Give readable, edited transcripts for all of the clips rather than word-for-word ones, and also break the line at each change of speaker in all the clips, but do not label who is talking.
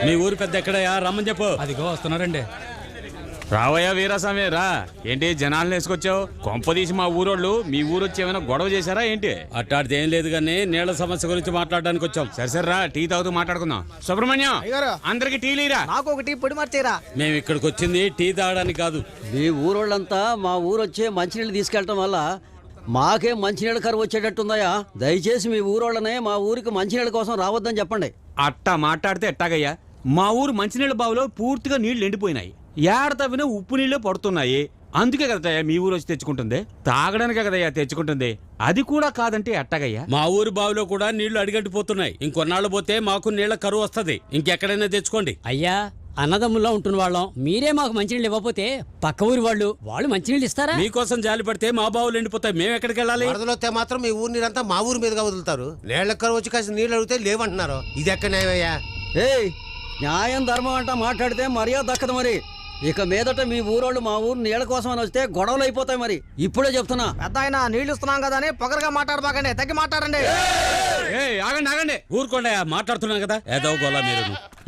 మీ ఊరు పెద్ద ఎక్కడయా రమ్మని చెప్పు.
అదిగో వస్తున్నారండి.
రావయ్యా వీరాస్వామి రా. ఏంటి జనాలను వేసుకొచ్చావు? కొంపదీసి మా ఊరోళ్ళు మీ ఊరు వచ్చి ఏమైనా గొడవ చేశారా ఏంటి? అట్టాడితే ఏం లేదు కానీ నీళ్ల సమస్య గురించి మాట్లాడడానికి వచ్చాం. సరే సరే రా, టీ తాగుతూ మాట్లాడుకుందాం. సుబ్రహ్మణ్యం అందరికి టీ లేరా?
నాకు ఒక టీ పొడి మార్చేరా.
మేము ఇక్కడికి వచ్చింది టీ తాగడానికి కాదు.
మీ ఊరోళ్ళంతా మా ఊరు వచ్చే మంచినీళ్ళు తీసుకెళ్ళటం వల్ల మాకే మంచినీళ్ళ కరువు వచ్చేటట్టుందయా. దయచేసి మీ ఊరోళ్ళనే మా ఊరికి మంచినీళ్ళ కోసం రావద్దని చెప్పండి.
అట్టా మాట్లాడితే ఎట్టాగయ్యా? మా ఊరు మంచినీళ్ళ బావిలో పూర్తిగా నీళ్లు ఎండిపోయినాయి. ఏడ తవ్వినా ఉప్పు నీళ్లు పడుతున్నాయి. అందుకే కదయ్యా మీ ఊరు వచ్చి తెచ్చుకుంటుంది. తాగడానికే కదయ్యా తెచ్చుకుంటుంది. అది కూడా కాదంటే ఎట్టాగయ్యా? మా ఊరు బావిలో కూడా నీళ్లు అడిగట్టిపోతున్నాయి. ఇంకొన్నాళ్ళు పోతే మాకు నీళ్ల కరువు వస్తుంది. ఇంకెక్కడైనా తెచ్చుకోండి.
అయ్యా అన్నదమ్ముల్లో ఉంటున్న వాళ్ళం, మీరే మాకు మంచినీళ్ళు ఇవ్వకపోతే పక్క ఊరి వాళ్ళు మంచినీళ్ళు ఇస్తారా?
మీకోసం జాలి పడితే మా బావులు ఎండిపోతాయి. మేము ఎక్కడికి వెళ్ళాలి?
వరదలొస్తే మాత్రం మీ ఊరి నీరంతా మా ఊరి మీదుగా వదులుతారు. నీళ్ళ కరువు వచ్చి కాసి నీళ్ళు అడిగితే లేవంటున్నారు. ఇది ఎక్కడ న్యాయమయ్యా?
ఏయ్, న్యాయం ధర్మం అంట మాట్లాడితే మర్యాద దక్కదు. మరి ఇక మీదట మీ ఊరోళ్ళు మా ఊరు నీళ్ళ కోసం అని వస్తే గొడవలు అయిపోతాయి. మరి ఇప్పుడే చెప్తున్నా.
పెద్ద ఆయన నీళ్లు ఇస్తున్నాం కదా అని పొగరగా మాట్లాడబాకండి, తగ్గి మాట్లాడండి.
ఆగండి ఆగండి, ఊరుకోండి. మాట్లాడుతున్నాం కదా ఏదో గోలా మీరు.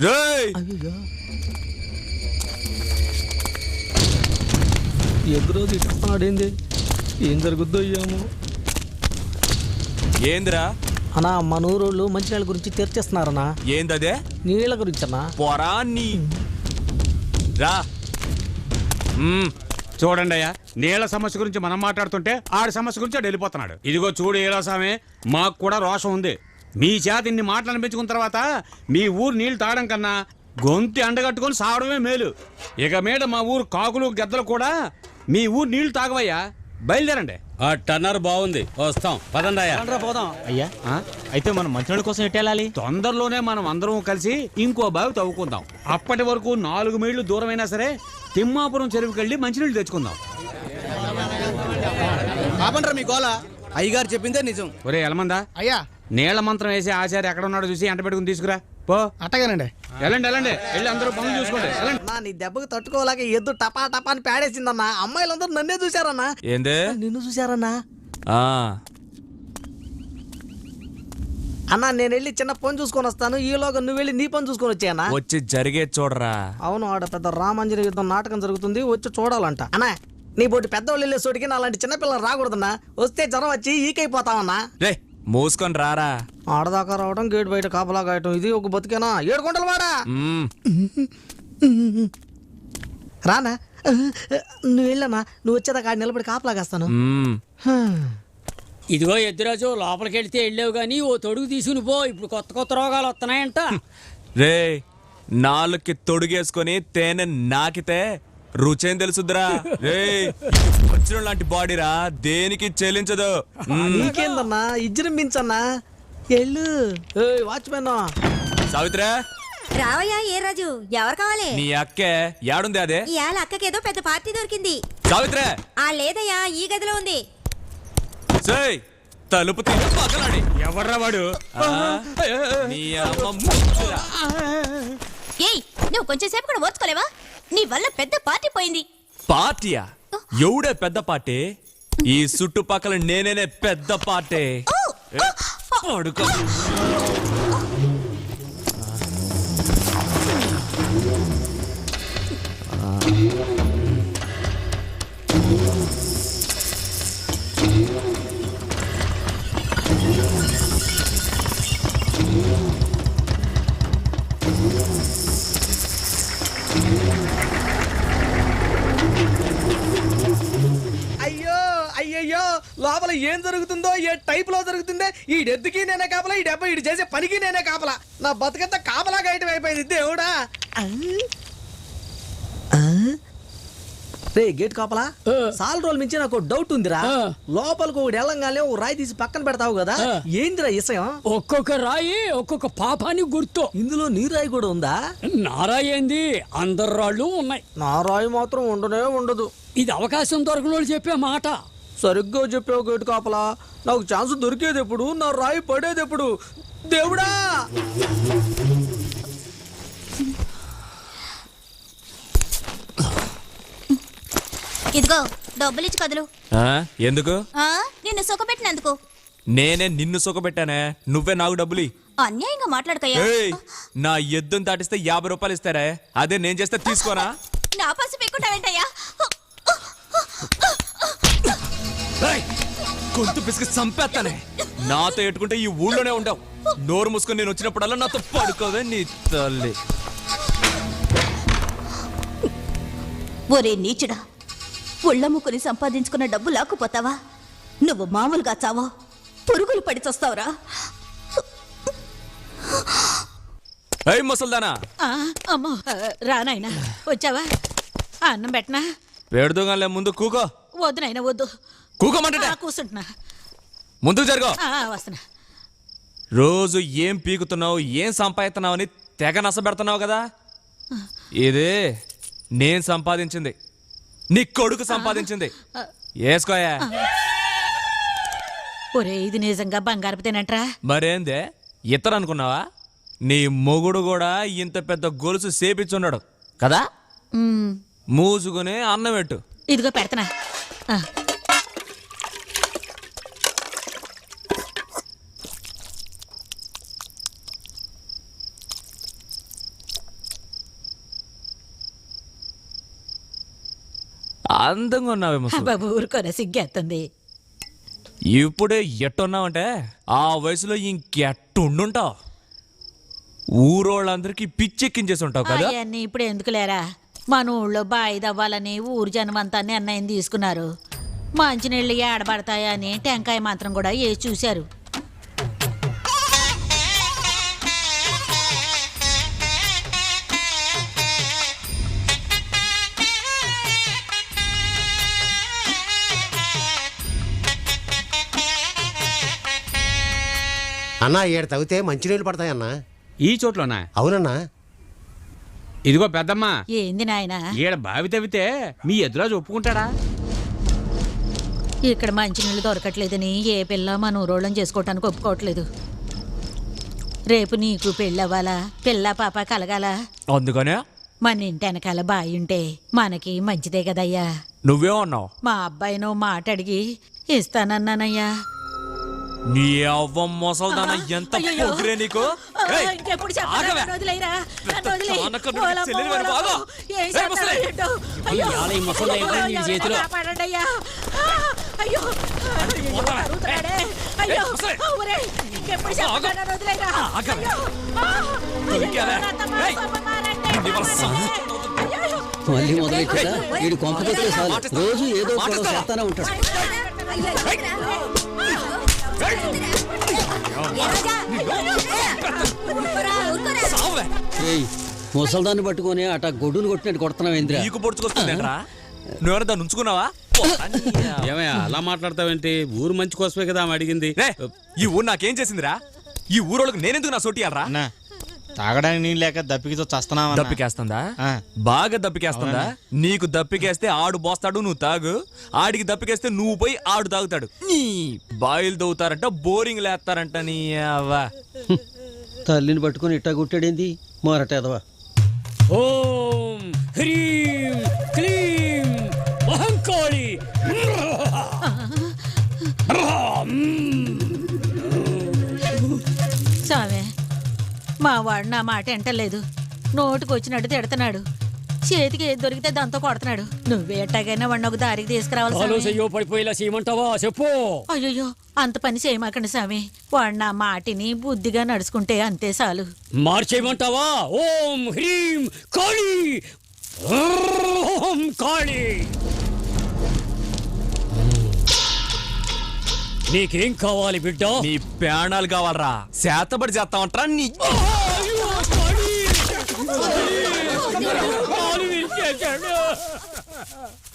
ఎదురో తిట్టుకున్నాడేంది? ఏం జరుగుద్దో అయ్యాము.
ఏందిరా
అన్నా మన ఊరోళ్ళు మంచినీళ్ళ గురించి తెరిచేస్తున్నారన్నా.
ఏందదే?
నీళ్ళ గురించి అన్నా.
పొరా నీ రా.
చూడండి అయ్యా, నీళ్ల సమస్య గురించి మనం మాట్లాడుతుంటే ఆడి సమస్య గురించి ఆడు వెళ్ళిపోతున్నాడు. ఇదిగో చూడు ఈరాసామే, మాకు కూడా రోషం ఉంది. మీ చేత ఇన్ని మాటలు అనిపించుకున్న తర్వాత మీ ఊరు నీళ్లు తాగడం కన్నా గొంతి అండగట్టుకొని సావడమే మేలు. ఇక మీద మా ఊరు కాకులు గద్దలు కూడా మీ ఊరు నీళ్లు తాగవయ్యా. బయలుదేరండి. ఆ టన్నర్ బాగుంది, వస్తాం. పదండి అయ్యా.
పోదాం.
అయ్యా అయితే మనం మంచినీళ్ళ కోసం ఎట్టేళ్ళాలి?
తొందరలోనే మనం అందరం కలిసి ఇంకో బావి తవ్వుకుందాం. అప్పటి వరకు 4 మైళ్ళు దూరమైనా సరే తిమ్మాపురం చెరువుకి వెళ్ళి మంచినీళ్ళు తెచ్చుకుందాం.
కాపండ్రా మీ గోల. అయ్యగారు చెప్పిందే నిజం.
ఒరే ఎలమందా,
అయ్యా
నీళ్ల మంత్రం వేసి ఆచార్య ఎక్కడ ఉన్నాడో చూసి ఎంట పెట్టుకుని తీసుకురా పో.
అట్టగానండి.
వెళ్ళండి వెళ్ళండి, వెళ్ళి అందరూ పనులు చూసుకోండి.
నీ దెబ్బకు తట్టుకోలేక ఎద్దు టపా టపా అని పేడేసిందన్నా. అమ్మాయిలందరూ నన్నే చూశారన్నా.
ఏందే?
నిన్ను చూశారన్నా.
ఆ
అన్నా నేను వెళ్ళి చిన్న పని చూసుకొని వస్తాను. ఈలోగా నువ్వు వెళ్ళి నీ పని చూసుకొని వచ్చాయన్నా.
వచ్చి జరిగే చూడరా.
అవును, ఆడ పెద్ద రామాంజనేయ యుద్ధం నాటకం జరుగుతుంది, వచ్చి చూడాలంట. అన్నా నీ బోటి పెద్దవాళ్ళు వెళ్ళే చోటికి నా అలాంటి చిన్నపిల్లలు రాకూడదన్నా. వస్తే జ్వరం వచ్చి ఈకైపోతామన్నా.
రే మూసుకొని రారా.
ఆడదాకా రావడం, గేట్ బయట కాపలా కాయటం, ఇది ఒక బతికేనా? 7 గుంటలు వాడా రానా. నువ్వు వెళ్ళనా, నువ్వు వచ్చేదాకా ఆడ నిలబడి కాపలా కాస్తాను.
ఇదిగో ఎద్దురాజు, లోపలికి వెళ్తే వెళ్ళావు గానీ ఓ తొడుగు తీసుకుని పో. ఇప్పుడు కొత్త కొత్త రోగాలు వస్తున్నాయంట.
రే నాలుగుకి తొడుగేసుకొని తేనె నాకితే రుచేం తెలుసుద్రా. రే వచ్చిన లాంటి బాడీరా, దేనికి చెల్లించదు.
నీకేందన్నా ఇజ్జరించన్నా. ఎల్లు వాచ్మెన్.
సావిత్రా
రావయ్యా. ఏ రాజు, ఎవరు కావాలి?
నీ అక్కే యాడుంది? అదే
ఇవాళ అక్కకేదో పెద్ద పార్టీ దొరికింది.
సావిత్రా.
ఆ లేదయ్యా, ఈ గదిలో ఉంది.
సేయ్ తలుపు తీసి పక్కనాడి.
ఎవర్రా వాడు?
నీ అమ్మ ముచ్చురా.
ఏయ్, నువ్వు కొంచెం సేపు కూడా ఓర్చుకోలేవా? నీ వల్ల పెద్ద పార్టీ పోయింది.
పార్టీయా? ఎవడే పెద్ద పార్టీ? ఈ చుట్టుపక్కల నేనేనే పెద్ద పార్టీ. అడుగు.
అయ్యో అయ్యయ్యో, లోపల ఏం జరుగుతుందో, ఏ టైప్ లో జరుగుతుందో. ఈ డెత్తుకి నేనే కాపలా, ఈ డెబ్బ ఇటు చేసే పనికి నేనే కాపలా. నా బతుకంతా కాపలా గాయటం అయిపోయింది. దేవుడా. రే గేట్ కాపలా, సాల్ రోజుల మించి నాకు డౌట్ ఉందిరా. లోపలికి ఒకటి వెళ్ళంగానే ఓ రాయి తీసి పక్కన పెడతావు కదా, ఏందిరా విషయం?
ఒక్కొక్క రాయి ఒక్కొక్క పాపానికి గుర్తు.
ఇందులో నీ రాయి కూడా ఉందా?
నా రాయి ఏంది, అందరు రాళ్ళు ఉన్నాయి.
నా రాయి మాత్రం ఉండనే ఉండదు.
ఇది అవకాశం దొరకనోళ్ళు చెప్పే మాట.
సరిగ్గా చెప్పావు గేటు కాపలా. నాకు ఛాన్స్ దొరికేది ఎప్పుడు, నా రాయి పడేది ఎప్పుడు? దేవుడా.
ఇదిగో డబ్బులు ఇచ్చి కదులు.
ఎందుకు?
నిన్ను సుఖపెట్టినందుకు.
నేనే నిన్ను సుఖపెట్టానే, నువ్వే నాకు డబ్బులి.
అన్యాయంగా మాట్లాడకయ్యా.
ఏయ్, నా ఎద్దును దాటిస్తే 50 రూపాయలు ఇస్తారే, అదే నేను చేస్తే తీసుకోనా?
నా పసి పెట్టుకుంటావేంటయ్యా?
ఏయ్, గొంతు పిసికి చంపేస్తానే. నాతో ఎట్టుకుంటే ఈ ఊళ్ళోనే ఉండవు. నోరు మూసుకొని నేను వచ్చినప్పుడల్లా నాతో పడుకోవే నీ తల్లి.
ఒరే నీచుడా, ఒళ్ళమ్ముకుని సంపాదించుకున్న డబ్బు లాక్కుపోతావా? నువ్వు మామూలుగా చావో, పురుగులు పడి చస్తావురా.
ఏయ్ ముసల్దానా,
అమ్మో రానాయనా, వచ్చావా? అన్నం పెట్టనా?
పెడుదోగాలే, ముందు కూకో.
వద్దు నాయనా, వద్దు.
కూకోమంటే
కూర్చుంటున్నా.
ముందుకు జరుగు.
వస్తున్నా.
రోజు ఏం పీకుతున్నావు, ఏం సంపాదిస్తున్నావు అని తెగ నసబెడుతున్నావు కదా. ఇదే నేను సంపాదించింది, నీ కొడుకు సంపాదించింది. వేసుకోయా.
ఒరే, ఇది నిజంగా బంగారపు తినంట్రా?
మరేందే ఇతరు అనుకున్నావా? నీ మొగుడు కూడా ఇంత పెద్ద గొలుసు సేపిచ్చున్నాడు కదా. మూసుకుని అన్నం పెట్టు.
ఇదిగో పెడతనా.
అందంగా ఉన్నావే ముసలి.
బాబు ఊరుకోరా, సిగ్గేస్తుంది.
ఇప్పుడే ఎట్టున్నావంటే ఆ వయసులో ఇంకెట్టుండుంటావు. ఊరోళ్ళందరికీ పిచ్చెక్కించేసి ఉంటావు కదా.
అవన్నీ ఇప్పుడు ఎందుకు లేరా? మన ఊళ్ళో బాయి దవ్వాలని ఊరు జనమంతా నిర్ణయం తీసుకున్నారు. మంచినీళ్ళు ఏడబడతాయని టెంకాయ మాత్రం కూడా వేసి చూశారు.
అన్నా ఏడు తవ్వితే మంచినీళ్ళు పడతాయన్నా.
ఈ చోట్లోనా?
అవునన్నా.
ఇదిగో పెద్దమ్మా,
ఏంది నాయనా?
ఈడ బావి తవ్వితే మీ ఎదురాజు ఒప్పుకుంటాడా?
ఇక్కడ మంచినీళ్ళు దొరకట్లేదని ఏ పిల్ల మన ఊరోళ్ళని చేసుకోవటానికి ఒప్పుకోవట్లేదు. రేపు నీకు పెళ్ళవ్వాలా, పిల్ల పాప కలగాల.
అందుకనే
మన ఇంటి వెనకాల బాయి ఉంటే మనకి మంచిదే కదయ్యా.
నువ్వేమన్నావు?
మా అబ్బాయినో మాట అడిగి ఇస్తానన్నానయ్యా.
నీ అవ్వ మొసల్దాన, ఎంత పొగిరే నీకు. ఏయ్,
ఇంకెప్పుడు
ఆగవే.
ఇవాళ ఈ ముసలి ఏంటో నీ చేతిలో.
మళ్ళీ మొదలెట్టా వీడు కొంపకొస్తే చాలు రోజు ఏదో గొడవ చేస్తానే ఉంటాడు. ముసల్దాన్ని పట్టుకొని అట గొడ్డును కొట్టినట్టు కొడుతున్నావు ఏంద్రా?
నీకు పొడుచుకొస్తుందేంట్రా? నువ్వెవరు దాన్ని ఉంచుకున్నావా?
ఏమయ్యా అలా మాట్లాడతావేంటి? ఊరు మంచి కోసమే కదా ఆమె అడిగింది.
ఈ ఊరు నాకేం చేసిందిరా? ఈ ఊరోళ్ళకి నేనెందుకు నా సోటియాలరా?
తాగడానికి నీళ్ళు లేక దప్పికితో చస్తున్నావా?
దప్పికేస్తుందా? బాగా దప్పికేస్తుందా? నీకు దప్పికేస్తే ఆడు బోస్తాడు, నువ్వు తాగు. ఆడికి దప్పికేస్తే నువ్వు పోయి ఆడు తాగుతాడు. నీ బాయిలు దవ్వుతారంట, బోరింగ్ లేస్తారంట. నీ అవ్వ
తల్లిని పట్టుకొని ఇట్టా గుట్టాడేంది మారటేదవా.
ఓం హ్రీం క్లీం మహంకాళి.
సామే, మా వాడు నా మాట ఎంటలేదు. నోటుకు వచ్చినట్టు తిడుతున్నాడు. చేతికి ఏది దొరికితే దాంతో కొడుతున్నాడు. నువ్వే ఎట్టాగైనా వాడిని ఒక దారికి తీసుకురావాలి సామి.
చెయ్యో పడిపోయేలా చేయమంటావా? చెప్పు.
అయ్యో, అంత పని చేయమాకండి స్వామి. వాడు నా మాటిని బుద్ధిగా నడుచుకుంటే అంతే చాలు.
మార్చేయమంటావా? ఓం హ్రీం కాళీ. ఓం కాళీ. నీకేం కావాలి బిడ్డ?
నీ ప్రాణాలు కావాలరా? శాతబడి చేస్తామంటారా? నీ
కాళీ విరిచేశాడు.